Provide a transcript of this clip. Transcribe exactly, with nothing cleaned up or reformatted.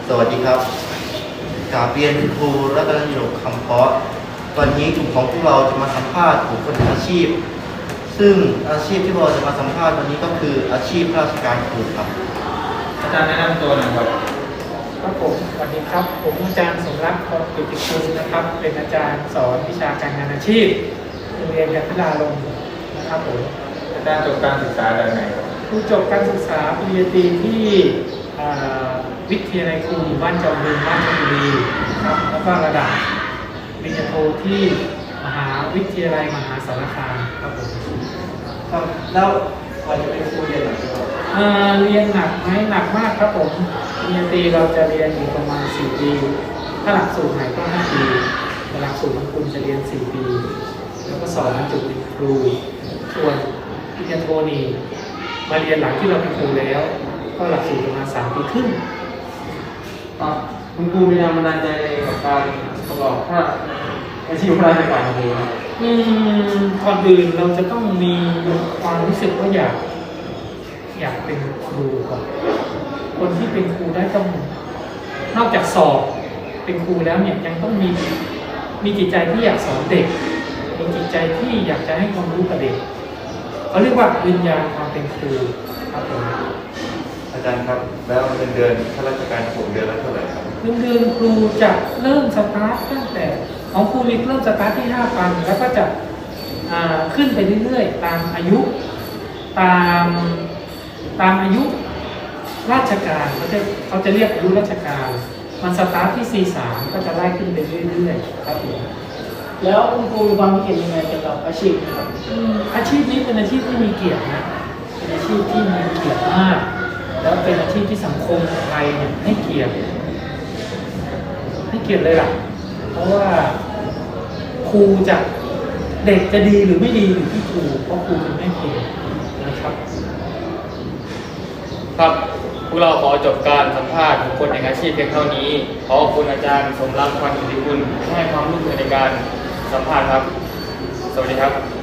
สวัสดีครับกราบเรียนครูรัตนยกคำเพาะวันนี้กลุ่มของพวกเราจะมาสัมภาษณ์บุคคลอาชีพซึ่งอาชีพที่เราจะมาสัมภาษณ์วันนี้ก็คืออาชีพราชการครูครับอาจารย์แนะนำตัวหน่อยครับครับผมสวัสดีครับผมอาจารย์สมรักษ์พรกิติคุณนะครับเป็นอาจารย์สอนวิชาการงานอาชีพโรงเรียนกันทราลมนะครับผมอาจารย์จบการศึกษาจากไหนครับผู้จบการศึกษาปริญญาตรีที่วิทยาลัยครูบ้านจอมบึงราชบุรีครับแล้วก็ระดับปริญญาโทที่มหาวิทยาลัยมหาสารคามครับผมครับแล้วพอจะเป็นครูเรียนหนักไหมครับเรียนหนักไหมหนักมากครับผมปริญญาตรีเราจะเรียนอยู่ประมาณสี่ปีถ้าหลักสูตรไหนก็ห้าปีหลักสูตรของคุณจะเรียนสี่ปีแล้วก็สอนบรรจุเป็นครูส่วนปริญญาโทนี่มาเรียนหลังที่เราเป็นครูแล้วก็หลักสูตรประมาณสามปีครึ่งคุณครูมีแรงบันดาลใจกับการประกอบพระอาชีพข้าราชการครูครับอืมก่อนอื่นเราจะต้องมีความรู้สึกว่าอยากอยากเป็นครูก่อนคนที่เป็นครูได้ต้องนอกจากสอบเป็นครูแล้วเนี่ยยังต้องมีมีจิตใจที่อยากสอนเด็กมีจิตใจที่อยากจะให้ความรู้กับเด็กเขาเรียกว่าวิญญาณความเป็นครูครับผมอาจารย์ครับแล้วเงินเดือนข้าราชการผมเดือนละเท่าไหร่ครับเงินเดือนครูจะเริ่มสตาร์ทตั้งแต่ของครูมีเริ่มสตาร์ทที่ห้าพันแล้วก็จะขึ้นไปเรื่อยๆตามอายุตามตามอายุราชการเขาจะเขาจะเรียกอายุราชการมันสตาร์ทที่ ซี สาม ก็จะไล่ขึ้นไปเรื่อยๆครับผมแล้วคุณครูมีความคิดเห็นยังไงเกี่ยวกับอาชีพนี้ครับอาชีพนี้เป็นอาชีพที่มีเกียรตินะเป็นอาชีพที่มีเกียรติมากแล้วเป็นอาชีพที่สังคมไทยเนี่ยให้เกียรติให้เกียรติเลยล่ะเพราะว่าครูจะเด็กจะดีหรือไม่ดีอยู่ที่ครูเพราะครูเป็นแม่ครูนะครับครับพวกเราขอจบการสัมภาษณ์บุคคลแห่งอาชีพเพียงเท่านี้ขอขอบคุณอาจารย์สมรักษ์ พรกิติคุณที่ให้ความร่วมมือในการสัมภาษณ์ครับสวัสดีครับ